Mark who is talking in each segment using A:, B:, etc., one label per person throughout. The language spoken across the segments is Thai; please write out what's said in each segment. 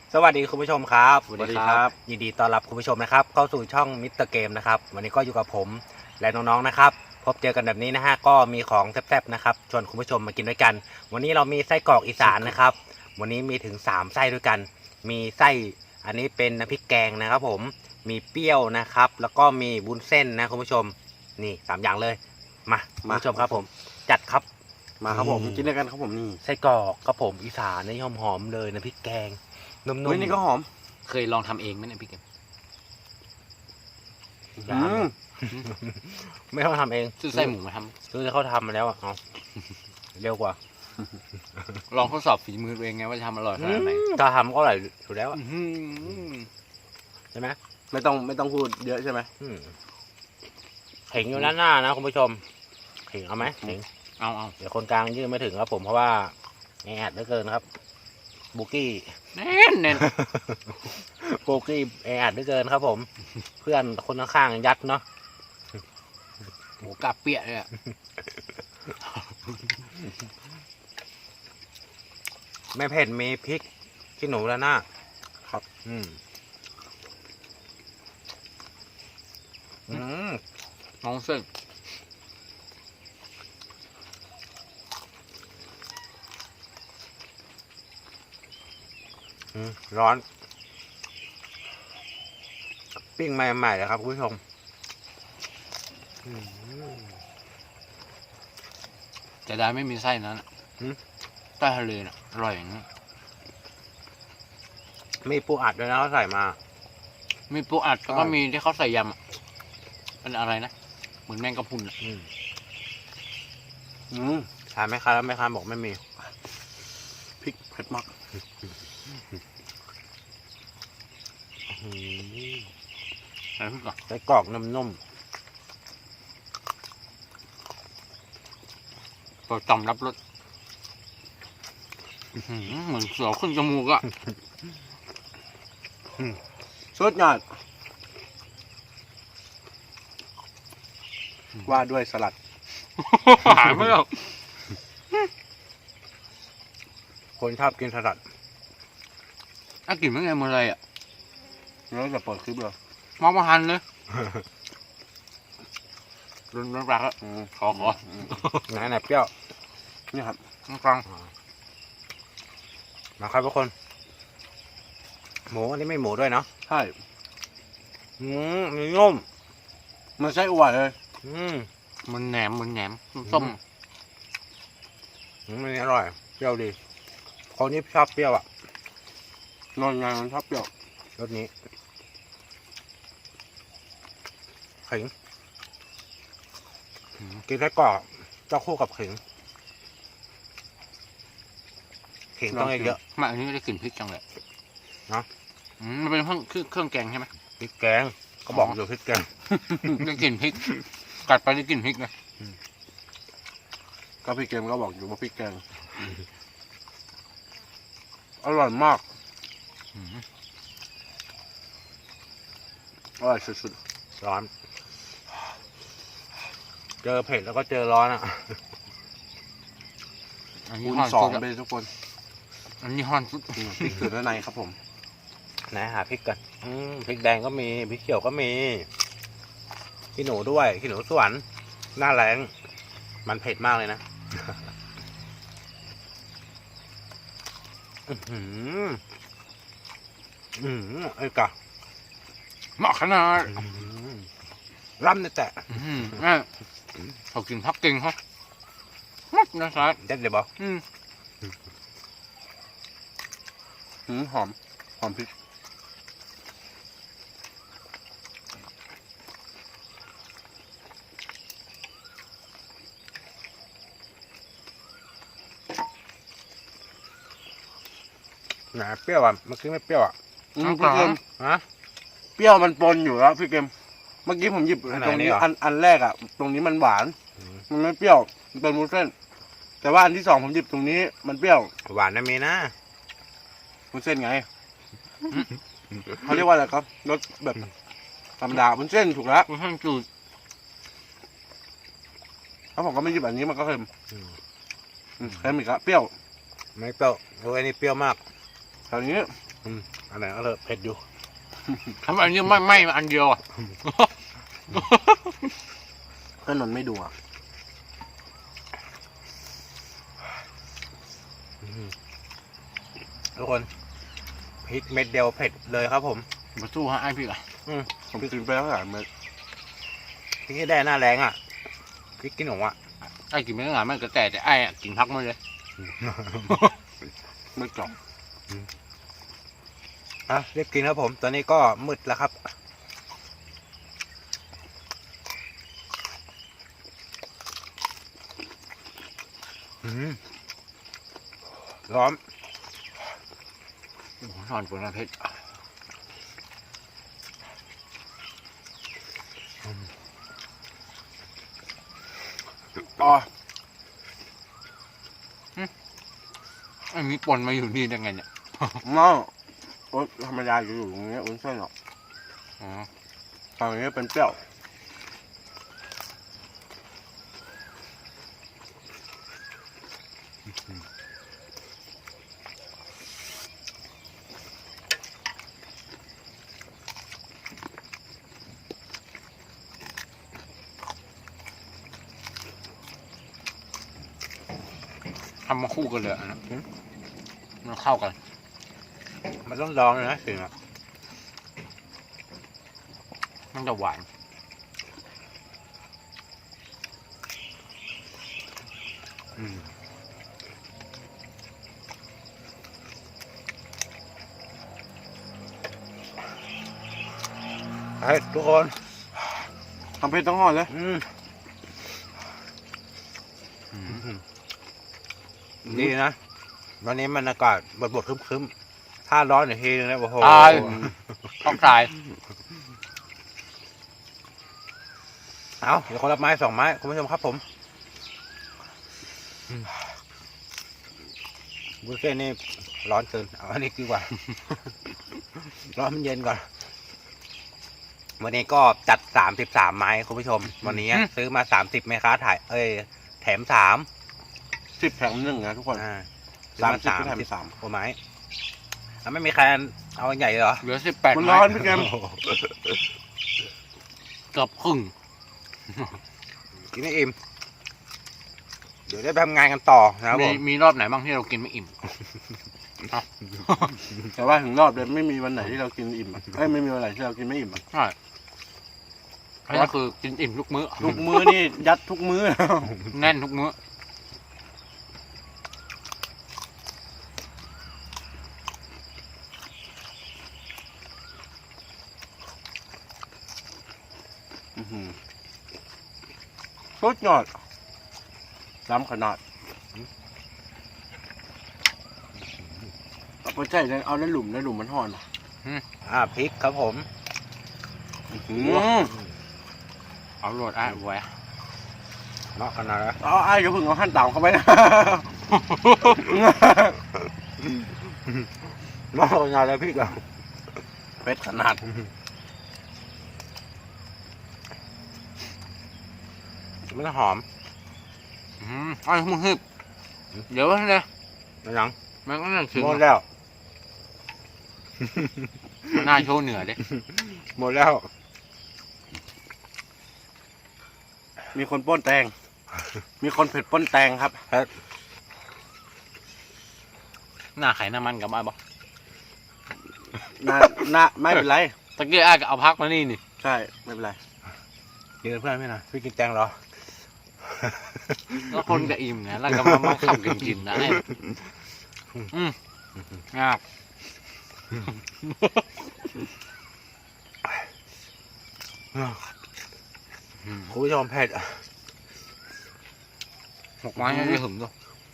A: สวัสดีคุณผู้ชมครับ
B: สวัสดีครับ
A: ยินดีต้อนรับคุณผู้ชมนะครับเข้าสู่ช่องมิสเตอร์เกมนะครับวันนี้ก็อยู่กับผมและน้องๆนะครับพบเจอกันแบบนี้นะฮะก็มีของแซ่บๆนะครับชวนคุณผู้ชมมากินด้วยกันวันนี้เรามีไส้กรอกอีสานนะครับวันนี้มีถึง3ไส้ด้วยกัน มีไส้อันนี้เป็นน้ำพริกแกงนะครับผมมีเปรี้ยวนะครับแล้วก็มีวุ้นเส้นนะคุณผู้ชมนี่3อย่างเลยมาคุณผู้ชมครับผมจัดครับ
B: มาครับผมกินด้วยกันครับผมนี่
A: ไส้กรอกครับผมอีสานนี่หอมๆเลยน้ำพริกแกงนุ่ม
B: เฮ้ยนี่ก็หอม
C: เคยลองทำเองไหมเนี่ยพี่เกม
A: อืม ไม่ต้องทำเอง
C: ซื้อไส้หมูมาท
A: ซื้อเขาทำมาแล้วอ่ะเอาเร็วกว่า
C: ำลองทดสอบฝีมือตัวเองไงว่าจะทำอร่อยขนาดไหน
A: ถ้าทำก็อร่อยอยู่แล้วอะ
C: อื้อหือ
A: ใช่ไหม
B: ไม่ต้องพูดเยอะใช่ไหม
A: อืมเข่งอยู่ด้านหน้านะคุณผู้ชมเข่งเอาไหมเข่ง
C: เอา
A: เดี๋ยวคนกลางยื่นไม่ถึงครับผมเพราะว่าแออัดเหลือเกินครับบุกี้
C: แน่น
A: บุกี้แออัดเหลือเกินครับผม เพื่อนคนข้างๆยัดเนาะ
C: หมูกระเปียกเลยอะ
A: ไม่เผ็ดมีพริกขี้หนูด้านหน้าครับอืม
C: น้องเส้น
A: ร้อนปิ้งใหม่ๆเลยครับคุณผู้ชม
C: จะได้ไม่มีไส้นั้นอะไส้ทะเลน่ะอร่อยอย่างนี้
A: มีปูอัดด้วยนะเขาใส่มา
C: มีปูอัดแล้วก็มีที่เขาใส่ยำอะเป็นอะไรนะเหมือนแมงกะพรุนอะ
A: ทานไหมครับแล้วแม่ค้าบอกไม่มี
B: พริกเผ็ดมาก
C: ใส่พริกก่อน
A: ไส้กรอกนุ่ม
C: เปิดต่อมรับรสอื้อหือเหมือนเสือขึ้นจมูกอะ
B: สุดยอดว่าด้วยสลัด
C: หายไม่ออก
A: ๆคนชอบกินสลัด
C: น่ากินไม่ไงหมดเลยอะ
B: แล้วจะเปิดคลิปเลย
C: มองมาหันเลยรุนรักอะขอ
A: ไหนเปรี้ยว
B: นี่ครับ
C: ฟัง
A: มาครับทุกคน หมูอันนี้ไม่หมูด้วยเนาะ
B: ใช่
A: มีนุ่ม
B: มันไส้อั่วเลย
C: มันแหนมส้ม
A: มันอร่อยเปรี้ยวดีคนที่ชอบเปรี้ยวอ่ะ
B: นอนงานมันชอบเปรี้ยว
A: รสนี้ขิงกินไส้กรอกเจ้าคู่กับขิงต้องเยอะ
C: มาอันนี้ไม่ได้กลิ่นพริกจังเลย
A: เนอะ
C: มันเป็นเครื่องแกงใช่ไหม
A: พริกแกงก็บอกอยู่พริกแกง
C: ได้กลิ่นพริก กัดไปได้กลิ่นพริกนะ
B: ก็พี่เกมก็บอกอยู่ว่าพริกแกงอร่อยมากอร่อยสุด
A: ร้อน เจอเผ็ดแล้วก็เจอร้อนอ่ะ
C: อัน
B: ๆ
C: นี้
B: คูณ
C: ฮอน
B: สอง
C: สุด
B: ไปทุกคน
C: อันนี้ฮอนสุด
B: พริกเกลือด้านในครับผม
A: ไหนหาพริกกันพริกแดงก็มีพริกเขียวก็มีขี้หนูด้วยขี้หนูสวนหน้าแรงมันเผ็ดมากเลยนะไอ้กะ
C: เหมาะขนาด
A: ร่ำเนี่ยแต่
C: เขากินพักเก่งเขามัดนะครับ
A: เด็ดเลยบอก
B: หอมพริก
A: ไหนเปรี้ยวอ่ะเมื่อกี้ไม่เปรี้ยวอ่ะ
B: พี่เกม
A: ฮะ
B: เปรี้ยวมันปนอยู่แล้วพี่เกมเมื่อกี้ผมหยิบ
A: อันไหน
B: ตรงนี้
A: นี่เหรอ
B: อันแรกอ่ะ ตรงนี้มันหวาน มันไม่เปรี้ยวมันเป็นมูสเส้น แต่ว่าอันที่สองผมหยิบตรงนี้มันเปรี้ยว
A: หวานนะมีนะ
B: มูสเส้นไงเขาเรียกว่าอะไรครับรสแบบธรรมดามูสเส้นถูกแล้ว
C: คุณท่านจูด
B: ถ้าผมก็ไม่หยิบอันนี้มันก็เค็มเค็มอีกแล้วเปรี้ยว
A: ไม่เปรี้ยวโอ้ยนี่เปรี้ยวมาก
B: แถวนี้
A: อันไหนก็เลยเผ็ดอยู่
C: ทำไมอันนี้ไม่มาอันเดียวอ่ะ
B: ก็นนไม่ดูอ่ะ
A: ทุกคนพริกเม็ดเดียวเผ็ดเลยครับผม
C: มาสู้ฮะไอ้พี่อ่ะ
B: ผมกินไปแล้วหลายเม็ด
A: พริกที่ได้หน้าแรงอ่ะพริกกินหนูอ่ะ
C: ไอ้กินไม่ได้หลายมันก็แต่ไอ้อะกินพักมาเลย
B: ไม่กรอบ
A: อ่ะเรียกกินครับผม ตอนนี้ก็มืดแล้วครับร้อน
C: โอ้โหนอนปวดนะเพชร
B: อ๋อ
C: ไอ้มีปนมาอยู่นี่ได้ไงเนี่ย
B: น้องโอ๊ตธรรมดาอยู่ตรงนี้อุ้นเส้นหรอก
C: อ๋อ
B: ตอนนี้เป็นเปรี้ยว
C: ทำมาคู่กันเลยอะนะมันเข้ากัน
A: มันต้องลองเลยนะสิอ่ะ
C: มันจะหวาน
A: เฮ้ยทุกคน
B: ทำเพชรต้องห่อเลย
A: ดีนะ วันนี้มันอากาศบดๆครึ้มๆถ้าร้อนอีกทีนึงนะโอ้โห
C: ตายต้องตาย
A: เอาเดี๋ยวคนละไม้2 ไม้คุณผู้ชมครับผมบุฟเฟ่ต์นี่ร้อนเกินเอาอันนี้ดีกว่า ร้อนมันเย็นก่อน วันนี้ก็จัด33 ไม้คุณผู้ชม วันนี้ซื้อมา30แม่ค้าถ่ายแถม3
B: 10 แถม 1นะทุกคน
A: ซื้อมา
B: 30แถม
A: 3 กว่าไม้ไม่มีใครเอาอันใหญ่เลยเหรอ
C: เหลือ18
B: มัน
C: ไม้
B: ร้อนพี่แกม
C: เกือบครึ่ง
A: กินไม่อิ่มเดี๋ยวได้ไปทำงานกันต่อนะครับผม
C: มีรอบไหนบ้างที่เรากินไม่อิ่ม
B: แต่ว่าถึงรอบเลยไม่มีวันไหนที่เรากินอิ่มอะไม่มีวันไหนที่เรากินไม่อิ่มอะ
C: ใช่อันนี้คือกินอิ่มทุกมื้อ
B: ทุกมื้อนี่ยัดทุกมื้อ
C: แน่นทุกมื้อ
B: สุดยอดล้ำขนาดเอาไปใส่เอาในหลุมมันห่อนอ่ะ
A: พริกครับผม
C: เอาโหลดไอ้ไว้
A: เนาะขนาดนั้น
B: เอาไอ้อย่าเพิ่งเอาหั่นต่ำเข้าไปนะ
A: เนาะขนาดแล้วพริกอ่ะ
B: เป็ดขนาด
A: มันหอม
C: ไอ้มึงฮึบเดี๋ยวนะ
A: มันยัง
C: มันก็นั่งถึง
A: หมดแล้ว
C: มันน่าโชว์เหนือเด้
A: หมดแล้ว
B: มีคนป้นแตง มีคนเผ็ดป้นแตงครับ
C: หน้าไข่น้ำมันกับไอ้บอก
B: น่าไม่เป็นไร
C: ตะเกียบไอ้ก็เอาพักมานี่นี่
B: ใช่ไม่เป็นไร
A: กินเพื่อนไม่นะพี่กินแตงเหรอ
C: แล้วคนก็อิ่มนะแล้วก็มาขับกินนะไอ้งาบ
A: คุณผู้ชมเผ็ด
C: 6 ไม้ยังไม่ถึงด้วย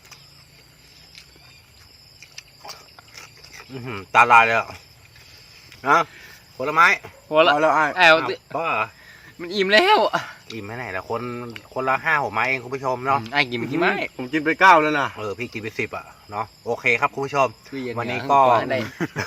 A: ตาลายเลยอ่ะนะผลไม้
C: หัวละ
B: เอาแล้วไอ้
C: แอล
A: บ้า
C: มันอิ่มแล้ว
A: อิ่มไม่ไหนละคนละ5-6 ไม้เองคุณผู้ชมเนาะ
C: ไอ้กินไปกี่ไม้
B: ผมกินไป9แล้วนะ
A: พี่กินไป10อ่ะเนาะโอเคครับคุณผู้ชม วันนี้ก็
C: ได้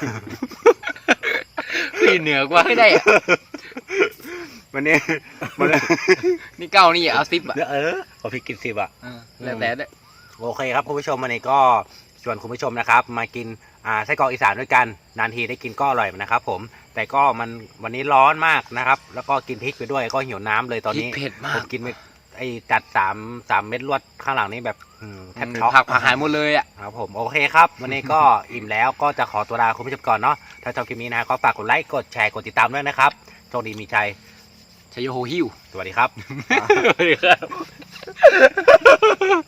C: พี่เหนือกว่าให้ได้อะ
A: วันนี้
C: นี่เก้านี่เอา10อ่ะ
A: พอพี่กิน10อ่ะ
C: แล้วแต่ได้
A: โอเคครับคุณผู้ชมวันนี้ก็ชวนคุณผู้ชมนะครับมากินไส้กรอกอีสานด้วยกันนานทีได้กินก็อร่อยนะครับผมแต่ก็มันวันนี้ร้อนมากนะครับแล้วก็กินพริกไปด้วยก็หิวน้ำเลยตอน
C: พริก
A: นี้
C: เผ็ดมา
A: ผ
C: ก
A: มกินไปไอ้จัด3เม็ดรวดข้างหลังนี้แบบแทบช็อก
C: ผักหายหมดเลยอ่ะ
A: ครับผมโอเคครับ วันนี้ก็ อิ่มแล้วก็จะขอตัวลาคุณผู้ชมก่อนเนาะถ้าชอบคลิปนี้นะก็ฝากกดไลค์กดแชร์กดติดตามด้วยนะครับโชคดีมีชัย
C: ชัยโยโฮฮิว
A: สวัสดีครับ
C: สวัสดีครับ